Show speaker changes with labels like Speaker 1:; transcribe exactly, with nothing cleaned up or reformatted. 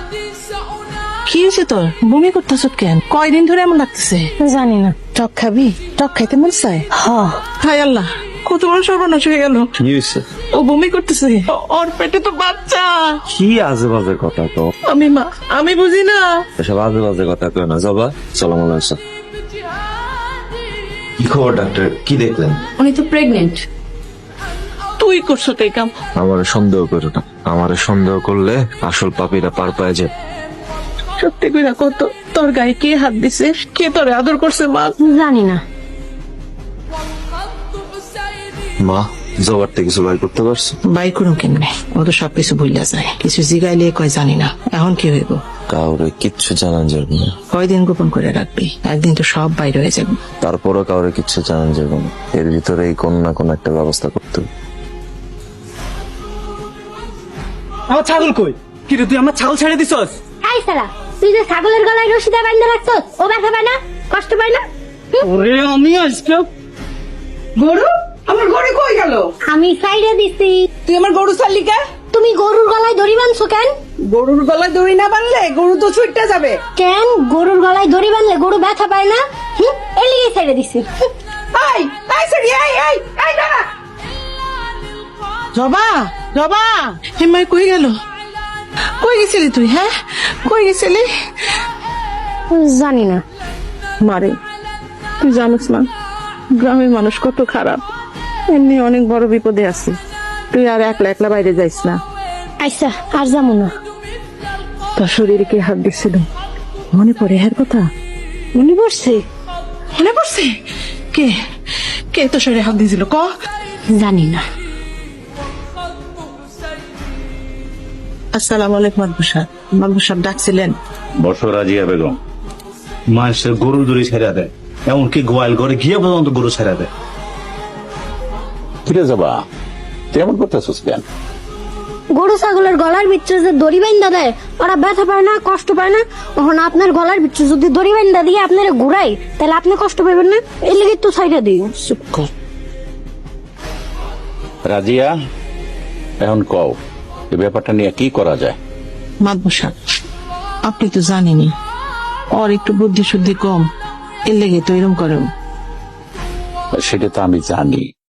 Speaker 1: কি হয়েছে তোর? বমি করতেছ কেন? কয়দিন ধরে এমন লাগতেছে?
Speaker 2: জানি না।
Speaker 1: টক খাবি? টক খাইতে মন চায়?
Speaker 2: হ
Speaker 1: হায় আল্লাহ, কত বড় সর্বনাশ হয়ে গেল।
Speaker 3: কি হয়েছে?
Speaker 1: ও বমি করতেছে। ও- ওর পেটে তো বাচ্চা।
Speaker 3: কি আজে বাজে কথা তো,
Speaker 1: আমি মা, আমি বুঝি না।
Speaker 3: এসব আজে বাজে কথা কেউ না। জবা চলো মনে হচ্ছে। কি খবর ডাক্তার, কি দেখলেন?
Speaker 2: উনি তো প্রেগনেন্ট।
Speaker 1: তুই করছো তাই কাম।
Speaker 3: আমার সন্দেহ করো না, আমার সন্দেহ করলে আসল পাপীরা পার পায় যে।
Speaker 1: সত্যি কইরা কত, তোর গায়ে কে হাত দিছে? কে তোরে আদর করছে মা?
Speaker 2: জানি না।
Speaker 3: মা, জবার থেকে কিছু বাইর করতে পারছো?
Speaker 1: বাই করুন কেমনে? ও তো সবকিছু ভুলিয়া যায়। কিছু জিগাইলে কয় জানি না। এখন কি হইব?
Speaker 3: কাউরে কিচ্ছু জানান যাবে না।
Speaker 1: কয়দিন গোপন করে রাখবি? একদিন তো সব বাইরে হয়ে যাবে।
Speaker 3: তারপরও কাউরে কিচ্ছু জানান যাবে না। এর ভিতরে এই কোন না কোন একটা ব্যবস্থা করতে হবে।
Speaker 4: আমার ছাগল কই? কি রে, তুই আমার ছাগল ছেড়ে দিছস?
Speaker 2: এই সালা, তুই যে ছাগলের গলায় রশি দিয়ে বাঁধা রাখছস, ও ব্যথা পায় না? কষ্ট পায় না? হুম?
Speaker 4: ওরে আমি আজকে
Speaker 5: গরু? আমার গরু কই গেল?
Speaker 2: আমি সাইডে দিছি।
Speaker 5: তুই আমার গরু ছাড়লি কে?
Speaker 2: তুমি গরুর গলায় দড়ি বাঁধছো কেন?
Speaker 5: গরুর গলায় দড়ি না বানলে গরু তো ছুটতে যাবে।
Speaker 2: কেন গরুর গলায় দড়ি বাঁধলে গরু ব্যথা পায় না? হুম, এর লিগে সাইডে দিছি। হুম।
Speaker 5: এই এই সরি এই এই এই দাঁড়া।
Speaker 1: জবা, জবা, হেমাই কই গেল? কই গেছিলি তুই? হ্যাঁ, কই গেছিলি?
Speaker 2: জানি না।
Speaker 1: মারে, তুই জানিস না গ্রামের মানুষ কত খারাপ। এমনি অনেক বড় বিপদে আছি। তুই আর একলা একলা বাইরে যাইস না।
Speaker 2: আচ্ছা, আর যাবো না।
Speaker 1: তোর শরীরে কে হাত দিছিল? মনে পড়ে হ্যার কথা?
Speaker 2: মনে পড়ছে?
Speaker 1: মনে পড়ছে? কে কে তোর শরীরে হাত দিয়েছিল ক?
Speaker 2: জানি না।
Speaker 1: আসসালামু আলাইকুম মাদবু সাহেব। মাদবু সাহেব ডাকছিলেন?
Speaker 6: বর্ষ রাজিয়া বেগম মানুষের গরু দড়ি ছেড়া দেয়, এমনকি গোয়াল ঘরে গিয়ে পর্যন্ত গরু ছেড়া দেয়।
Speaker 7: ফিরে যাবা, তেমন করতেছিস কেন?
Speaker 2: গরু ছাগলের গলার ভিতরে যে দড়ি বাইন্ধা দেয়, ওরা ব্যথা পায় না, কষ্ট পায় না? তখন আপনার গলার ভিতরে যদি দড়ি বাইন্ধা দিয়ে আপনারা ঘুরাই, তাহলে আপনি কষ্ট পাবেন না? এর লিগে তো সাইডে দিই।
Speaker 1: চুপ কর।
Speaker 7: রাজিয়া, এখন কও এই ব্যাপারটা নিয়ে কি করা যায়?
Speaker 1: মাদবু সাহেব, আপনি তো জানেনই ওর একটু বুদ্ধি শুদ্ধি কম, এর লেগে তো এরকম করেন।
Speaker 7: সেটা তো আমি জানি,